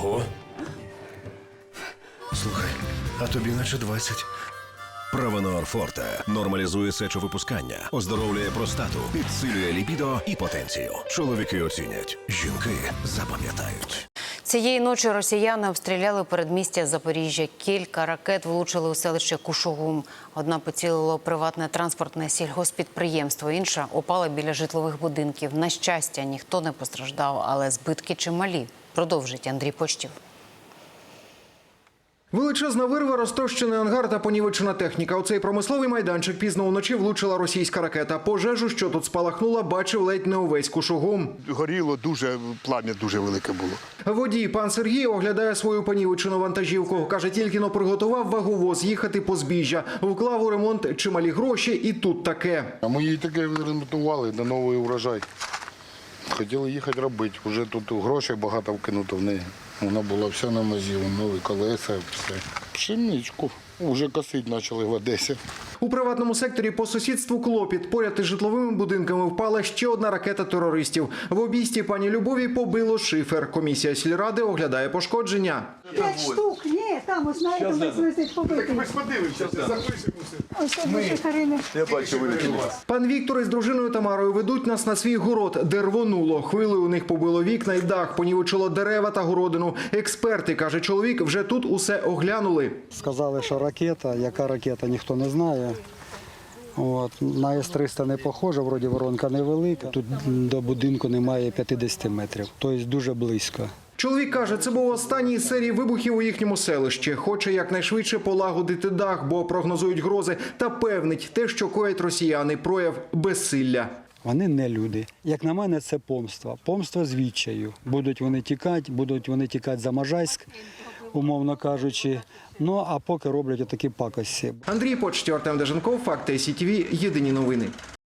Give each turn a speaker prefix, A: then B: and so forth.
A: Ого. Слухай, а тобі наче 20.
B: Правонор Форте нормалізує сечовипускання, оздоровлює простату, підсилює лібідо і потенцію. Чоловіки оцінять, жінки запам'ятають.
C: Цієї ночі росіяни обстріляли передмістя Запоріжжя. Кілька ракет влучили у селище Кушугум. Одна поцілила у приватне транспортне сільгосппідприємство, інша упала біля житлових будинків. На щастя, ніхто не постраждав, але збитки чималі. Продовжить Андрій Почтів.
D: Величезна вирва, розтрощений ангар та понівечена техніка. У цей промисловий майданчик пізно вночі влучила російська ракета. Пожежу, що тут спалахнула, бачив ледь не увесь Кушугум.
E: Горіло дуже, плам'я дуже велике було.
D: Водій пан Сергій оглядає свою понівечену вантажівку. Каже, тільки-но приготував ваговоз їхати по збіжжя. Вклав у ремонт чималі гроші і тут таке.
E: А ми її таке ремонтували на новий урожай. Хотіли їхати робити. Вже тут грошей багато вкинуто в неї. Вона була вся на мазі, нові колеса, все. Пшеничку. Уже косити почали в Одесі.
D: У приватному секторі по сусідству клопіт. Поряд із житловими будинками впала ще одна ракета терористів. В обійсті пані Любові побило шифер. Комісія сільради оглядає пошкодження.
F: 5 штук, ні, там, ось знаєте, висить побитий.
E: Ми ж подивимося, запишемо.
F: Ось наші Карини.
E: Я бачу, вилетіло.
D: Пан Віктор із дружиною Тамарою ведуть нас на свій город, де рвонуло. Хвилею у них побило вікна і дах, понівечило дерева та городину. Експерти, каже чоловік, вже тут усе оглянули.
G: Сказали, що ракета, яка ракета, ніхто не знає. От. На С-300 не похоже, вроді воронка невелика. Тут до будинку немає 50 метрів, тобто дуже близько.
D: Чоловік каже, це був останній із серії вибухів у їхньому селищі. Хоче якнайшвидше полагодити дах, бо прогнозують грози. Та певнить, те, що коять росіяни, прояв безсилля.
G: Вони не люди. Як на мене, це помста. Помста з відчаю. Будуть вони тікати за Можайськ, умовно кажучи. Ну, а поки роблять отакі пакості.
D: Андрій Почтів, Артем Деженков, Факти СІТВ, єдині новини.